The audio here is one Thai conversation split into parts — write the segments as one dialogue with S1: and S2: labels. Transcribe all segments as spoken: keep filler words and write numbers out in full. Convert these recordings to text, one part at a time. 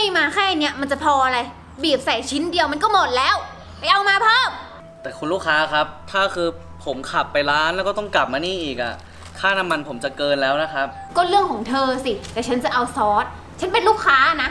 S1: มาแค่เนี้ยมันจะพออะไรบีบใส่ชิ้นเดียวมันก็หมดแล้วไปเอามาเพิ่ม
S2: แต่คุณลูกค้าครับถ้าคือผมขับไปร้านแล้วก็ต้องกลับมานี่อีกอะค่าน้ำมันผมจะเกินแล้วนะครับ
S1: ก็เรื่องของเธอสิแต่ฉันจะเอาซอสฉันเป็นลูกค้านะ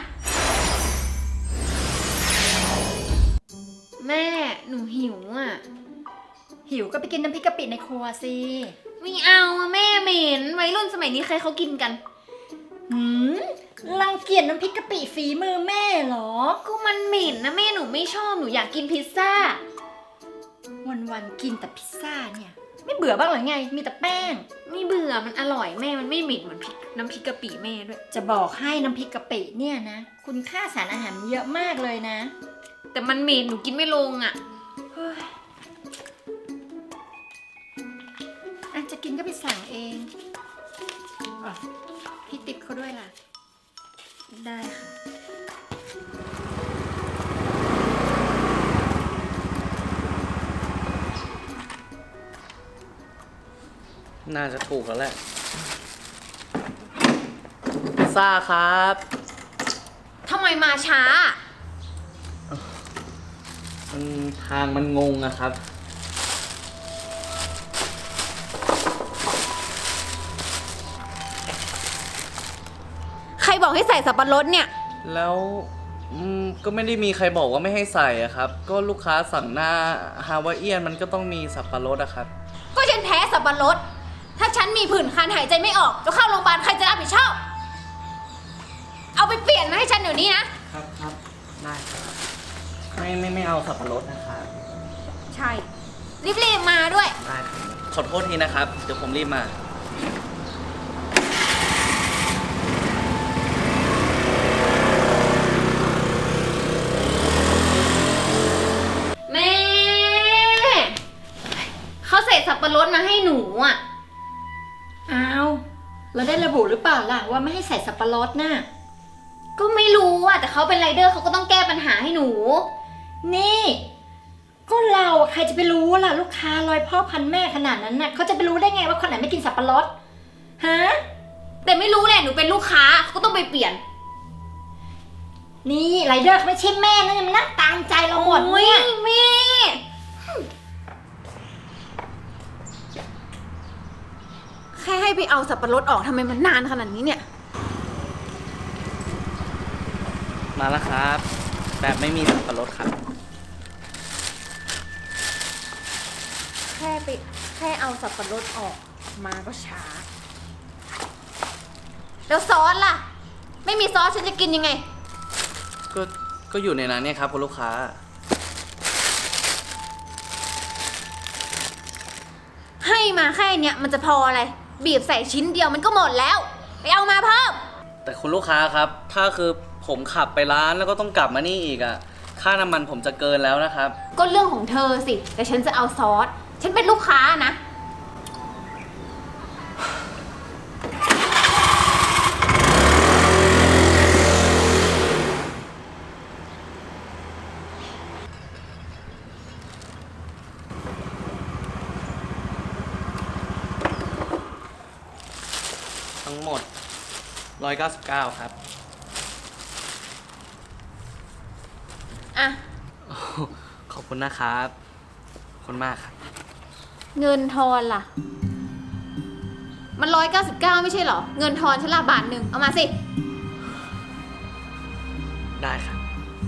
S1: แม่หนูหิวอ่ะ
S3: หิวก็ไปกินน้ำพริกกะปิในครัวสิ
S1: ไม่เอาอะแม่เหม็นวัยรุ่นสมัยนี้ใครเขากินกัน
S3: หืมรังเกียจน้ำพริกกะปิฝีมือแม่เหรอ
S1: ก็มันเหม็นนะแม่หนูไม่ชอบหนูอยากกินพิซซ่า
S3: วันๆกินแต่พิซซ่าเนี่ยไม่เบื่อบ้างหรือไงมีแต่แป้ง
S1: ไม่เบื่อมันอร่อยแม่มันไม่เหม็นเหมือนพริกน้ำพริกกะปิแม่ด้วย
S3: จะบอกให้น้ำพริกกะปิเนี่ยนะคุณค่าสารอาหารเยอะมากเลยนะ
S1: แต่มันเหม็นหนูกินไม่ลงอ่ะ
S3: อาจจะกินก็ไปสั่งเองพี่ติ๊บเขาด้วยล่ะ
S1: ได้ค่ะ
S2: น่าจะถูกแล้วแหละพิซซ่าครับ
S1: ทำไมมาช้า
S2: มันทางมันงงอะครับ
S1: ใครบอกให้ใส่สับปะรดเนี่ย
S2: แล้วก็ไม่ได้มีใครบอกว่าไม่ให้ใส่อะครับก็ลูกค้าสั่งหน้าฮาวายเอียนมันก็ต้องมีสับปะรดอะครับ
S1: ก็ฉันแพ้สับปะรดถ้าฉันมีผื่นคันหายใจไม่ออกจะเข้าโรงพยาบาลใครจะรับผิดชอบเอาไปเปลี่ยนมาให้ฉันเดี๋ยวนี้นะครับ
S2: ครับได้ครับไม่ไม่ไม่เอาสับปะรดนะครับ
S1: ใช่รีบๆมาด้วย
S2: ได้ครับขอโทษทีนะครับเดี๋ยวผมรีบมา
S1: แม่เขาใส่สับปะรดมาให้หนูอ่ะ
S3: อ้าวแล้วได้ระบุหรือเปล่าล่ะว่าไม่ให้ใส่สับปะรดน่ะ
S1: ก็ไม่รู้อ่ะแต่เขาเป็นไรเดอร์เขาก็ต้องแก้ปัญหาให้หนู
S3: นี่ก็เราใครจะไปรู้ล่ะลูกค้าร้อยพ่อพันแม่ขนาดนั้นน่ะเขาจะไปรู้ได้ไงว่าคนไหนไม่กินสับปะรดฮะ
S1: แต่ไม่รู้แหละหนูเป็นลูกค้าเขาก็ต้องไปเปลี่ยน
S3: นี่ไรเดอร์เขาไม่ใช่แม่นะมันนั่งตามใจเราหมดเนี่ย
S1: แม่แค่ให้ไปเอาสับปะรดออกทำไมมันนานขนาดนี้เนี่ย
S2: มาแล้วครับแบบไม่มีสับปะรดครับ
S1: แค่ไปแค่เอาสับปะรดออกมาก็ช้าแล้วซอสล่ะไม่มีซอสฉันจะกินยังไง
S2: ก็ก็อยู่ในนั้นเนี่ยครับคุณลูกค้า
S1: ให้มาแค่เนี้ยมันจะพออะไรบีบใส่ชิ้นเดียวมันก็หมดแล้วไปเอามาเพิ่ม
S2: แต่คุณลูกค้าครับถ้าคือผมขับไปร้านแล้วก็ต้องกลับมานี่อีกอะค่าน้ำมันผมจะเกินแล้วนะครับ
S1: ก็เรื่องของเธอสิแต่ฉันจะเอาซอสฉันเป็นลูกค้านะ
S2: ทั้งหมดหนึ่งร้อยเก้าสิบเก้าครับ
S1: อ่ะ
S2: ขอบคุณนะครับขอบคุณมากครับ
S1: เงินทอนล่ะมันร้อยเก้าสิบเก้าไม่ใช่เหรอเงินทอนฉันละบาทหนึ่งเอามาสิ
S2: ได้ครับ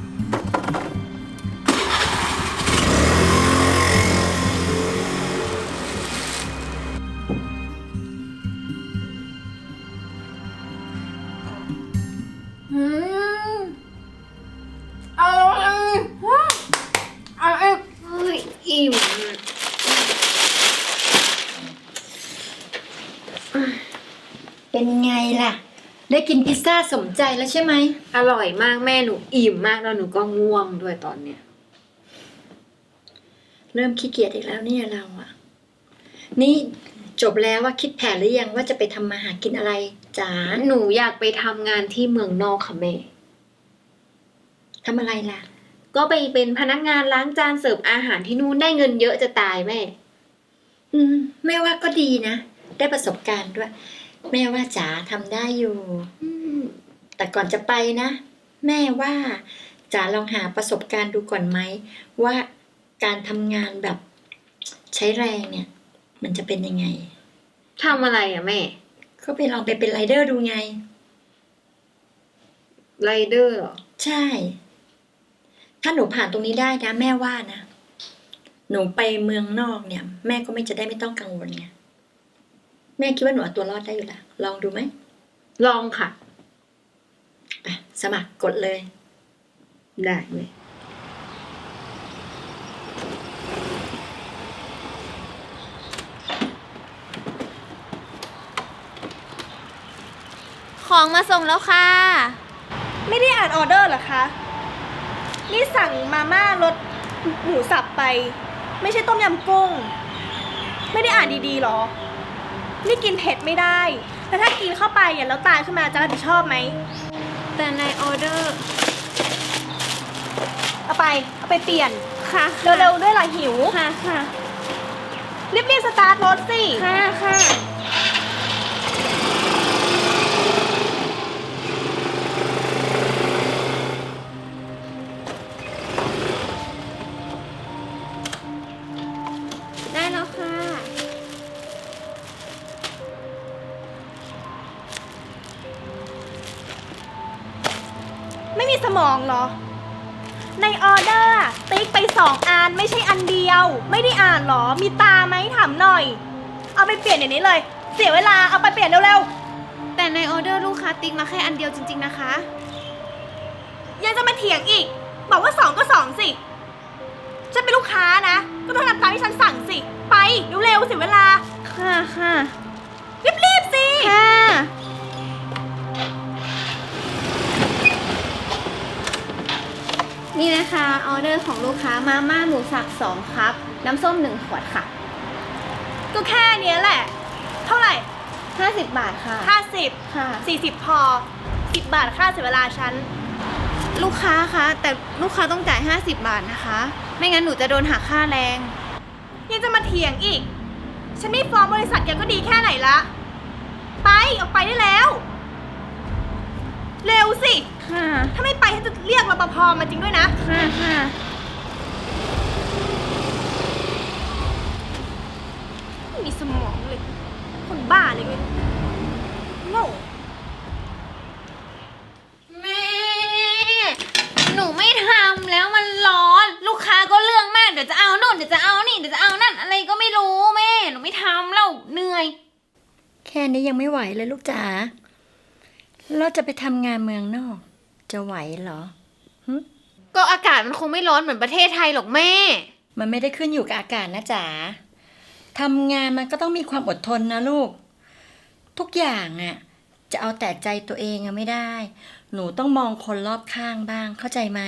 S1: อืมเอาเลยเอาเอ้ยอิ่ม
S3: เป็นไงล่ะได้กินพิซซ่าสมใจแล้วใช่ไหม
S1: อร่อยมากแม่หนูอิ่มมากแล้วหนูก็ง่วงด้วยตอนเนี้ย
S3: เริ่มขี้เกียจอีกแล้วเนี่ยเราอะนี่จบแล้วว่าคิดแผนหรือยังว่าจะไปทำมาหากินอะไรจ๋า
S1: หนูอยากไปทำงานที่เมืองนอกค่ะแม่
S3: ทำอะไรล่ะ
S1: ก็ไปเป็นพนักงานล้างจานเสิร์ฟอาหารที่นู่นได้เงินเยอะจะตายแม่
S3: อืมแม่ว่าก็ดีนะได้ประสบการณ์ด้วยแม่ว่าจ๋าทำได้อยู่แต่ก่อนจะไปนะแม่ว่าจ๋าลองหาประสบการณ์ดูก่อนไหมว่าการทำงานแบบใช้แรงเนี่ย มันจะเป็นยังไง
S1: ทำอะไรอะแม่
S3: ก็ไปลองไปเป็นไรเดอร์ดูไง
S1: ไรเดอร์เหรอ
S3: ใช่ ถ้าหนูผ่านตรงนี้ได้นะแม่ว่านะ หนูไปเมืองนอกเนี่ย แม่ก็ไม่จะได้ไม่ต้องกังวลไง แม่คิดว่าหนูเอาตัวรอดได้อยู่แล้ว ลองดูไหม
S1: ลองค่ะ
S3: อ่ะสมัครกดเลย
S1: ได้เลย ของมาส่งแล้วค่ะ
S4: ไม่ได้อ่านออเดอร์เหรอคะ นี่สั่งมาม่ารสหมูสับไป ไม่ใช่ต้มยำกุ้ง ไม่ได้อ่านดีๆหรอ นี่กินเผ็ดไม่ได้ แล้วถ้ากินเข้าไปอ่ะแล้วตายขึ้นมาจะรับผิดชอบไหม
S1: แต่ในออเดอร์
S4: เอาไป เอาไปเปลี่ยน
S1: ค่ะ
S4: เร็วๆด้วยล่ะหิว
S1: ค่ะค่ะ
S4: รีบๆสตาร์ทรถสิ
S1: ค่ะค่ะ ได้แล้วค่ะ
S4: ไม่มีสมองเหรอ ในออเดอร์อะติ๊กไปสองอันไม่ใช่อันเดียว ไม่ได้อ่านเหรอ มีตาไหมถามหน่อย เอาไปเปลี่ยนอย่างนี้เลย เสียเวลา เอาไปเปลี่ยนเร็วๆ
S1: แต่ในออเดอร์ลูกค้าติ๊กมาแค่อันเดียวจริงๆนะคะ
S4: ยังจะมาเถียงอีก บอกว่าสองก็สองสิ ฉันเป็นลูกค้านะ ก็ต้องทำตามที่ฉันสั่งสิ ไปเร็วๆเสียเวลา
S1: ค่ะค่ะ
S4: รีบๆสิ
S1: ค่ะ นี่นะคะออเดอร์ของลูกค้ามาม่าหมูสับสองครับ น้ำส้มหนึ่งขวดค่ะ
S4: ก็แค่เนี้ยแหละ เท่าไหร่
S1: ห้าสิบบาทค่ะ
S4: ห้าสิบ
S1: ค่ะ
S4: สี่สิบพอสิบบาทค่าเสียเวลาฉัน
S1: ลูกค้าคะแต่ลูกค้าต้องจ่ายห้าสิบบาทนะคะ ไม่งั้นหนูจะโดนหักค่าแรง
S4: ยังจะมาเถียงอีก ฉันไม่ฟ้องบริษัทแกก็ดีแค่ไหนละ ไปออกไปได้แล้ว เร็วสิ
S1: ค่ะ
S4: ถ้าไม่ไปฉันจะเรียกรปภมาจริงด้วยนะ
S1: ค่ะค่ะ
S4: ไม่มีสมองเลย คนบ้าเลยเว้ยโง่
S1: แม่ หนูไม่ทำแล้วมันร้อน ลูกค้าก็เรื่องมากเดี๋ยวจะเอาโน่นเดี๋ยวจะเอานี่เดี๋ยวจะเอานั่นอะไรก็ไม่รู้แม่ หนูไม่ทำแล้วเหนื่อย
S3: แค่นี้ยังไม่ไหวเลยลูกจ๋าเราจะไปทำงานเมืองนอก จะไหวเหรอ
S1: ก็อากาศมันคงไม่ร้อนเหมือนประเทศไทยหรอกแม่
S3: มันไม่ได้ขึ้นอยู่กับอากาศนะจ๋าทำงานมันก็ต้องมีความอดทนนะลูก ทุกอย่างอ่ะ จะเอาแต่ใจตัวเองอะไม่ได้ หนูต้องมองคนรอบข้างบ้าง เข้าใจไหม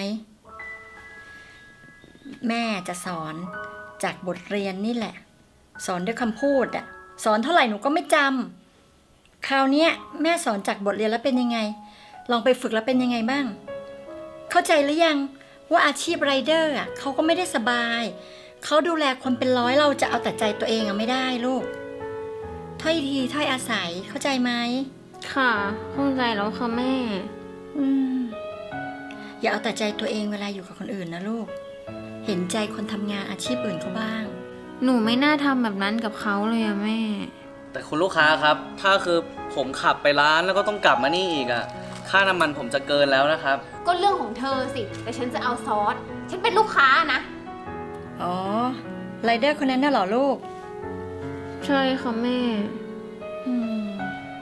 S3: แม่จะสอนจากบทเรียนนี่แหละ สอนด้วยคำพูดอ่ะ สอนเท่าไหร่หนูก็ไม่จำคราวเนี้ยแม่สอนจากบทเรียนแล้วเป็นยังไง ลองไปฝึกแล้วเป็นยังไงบ้าง เข้าใจหรือยังว่าอาชีพไรเดอร์อ่ะเขาก็ไม่ได้สบาย เขาดูแลคนเป็นร้อยเราจะเอาแต่ใจตัวเองอะไม่ได้ลูก ถ้อยทีถ้อยอาศัยเข้าใจไหม
S1: ค่ะเข้าใจแล้วค่ะแม่
S3: อืม อย่าเอาแต่ใจตัวเองเวลาอยู่กับคนอื่นนะลูก เห็นใจคนทำงานอาชีพอื่นเขาบ้าง
S1: หนูไม่น่าทำแบบนั้นกับเขาเลยอะแม่
S2: แต่คุณลูกค้าครับ ถ้าคือผมขับไปร้านแล้วก็ต้องกลับมานี่อีกอะค่าน้ำมันผมจะเกินแล้วนะครับ
S1: ก็เรื่องของเธอสิ แต่ฉันจะเอาซอส ฉันเป็นลูกค้านะ
S3: อ๋อไรเดอร์คนนั้นน่ะเหรอลูก
S1: ใช่ค่ะแม่
S3: อืม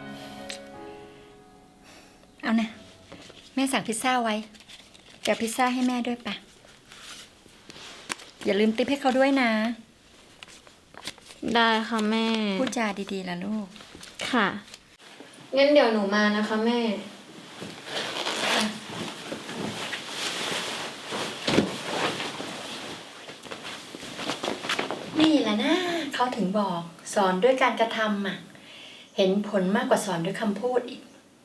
S3: เอานะ แม่สั่งพิซซ่าไว้แกะพิซซ่าให้แม่ด้วยปะอย่าลืมติปให้เขาด้วยนะ
S1: ได้ค่ะแม่
S3: พูดจาดีๆล่ะลูก
S1: ค่ะ งั้นเดี๋ยวหนูมานะคะแม่
S3: นี่แหละนะเขาถึงบอกสอนด้วยการกระทำอ่ะ เห็นผลมากกว่าสอนด้วยคำพูดอีก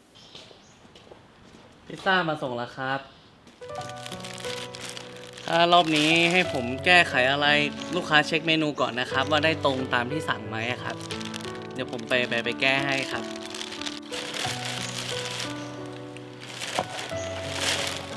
S2: พิซซ่ามาส่งแล้วครับ ถ้ารอบนี้ให้ผมแก้ไขอะไรลูกค้าเช็คเมนูก่อนนะครับ ว่าได้ตรงตามที่สั่งไหมครับ เดี๋ยวผมไปไปไปแก้ให้ครับ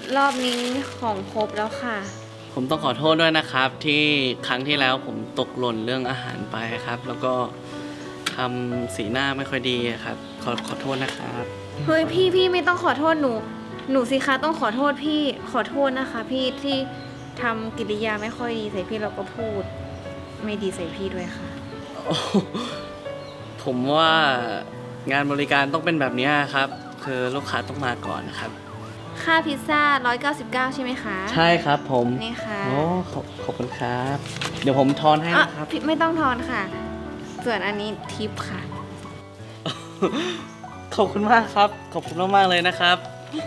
S1: รอบนี้ของครบแล้วค่ะ
S2: ผมต้องขอโทษด้วยนะครับ ที่ครั้งที่แล้วผมตกหล่นเรื่องอาหารไปครับ แล้วก็ทำสีหน้าไม่ค่อยดีครับ ขอขอโทษนะครับ
S1: เฮ้ยพี่พี่ไม่ต้องขอโทษหนู หนูสิคะต้องขอโทษพี่ขอโทษนะคะ พี่ที่ทำกิริยาไม่ค่อยดีใส่พี่แล้วก็พูด ไม่ดีใส่พี่ด้วยค่ะ
S2: โอ้โหผมว่างานบริการต้องเป็นแบบนี้ครับ คือลูกค้าต้องมาก่อนนะครับ
S1: ค่าพิซซ่าหนึ่งร้อยเก้าสิบเก้าใช่ไหมคะ
S2: ใช่ครับผม
S1: นี่ค่ะ
S2: โอ้ขอบขอบคุณครับ เดี๋ยวผมทอนให้
S1: อ่ะ
S2: นะครับ
S1: พี่ไม่ต้องทอนค่ะ ส่วนอันนี้ทิปค่ะ
S2: ขอบคุณมากครับ ขอบคุณมากๆเลยนะครับ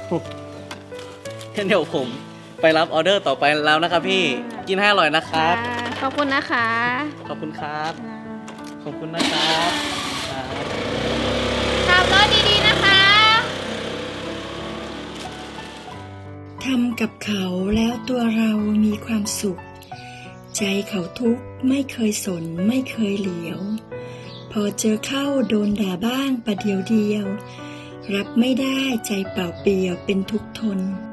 S2: งั้นเดี๋ยวผมไปรับออเดอร์ต่อไปแล้วนะครับพี่
S1: อ่ากิ
S2: กินให้อร่อยนะครับ
S1: ค่ะขอบคุณนะคะ
S2: ขอบคุณครับ
S1: อ่า
S2: ขอบคุณนะครับครับ
S1: ขับรถดีๆนะคะ
S3: ทำกับเขาแล้วตัวเรามีความสุข ใจเขาทุกข์ไม่เคยสนไม่เคยเหลียว พอเจอเข้าโดนด่าบ้างประเดียวเดียว รับไม่ได้ใจเปล่าเปลี่ยวเป็นทุกข์ทน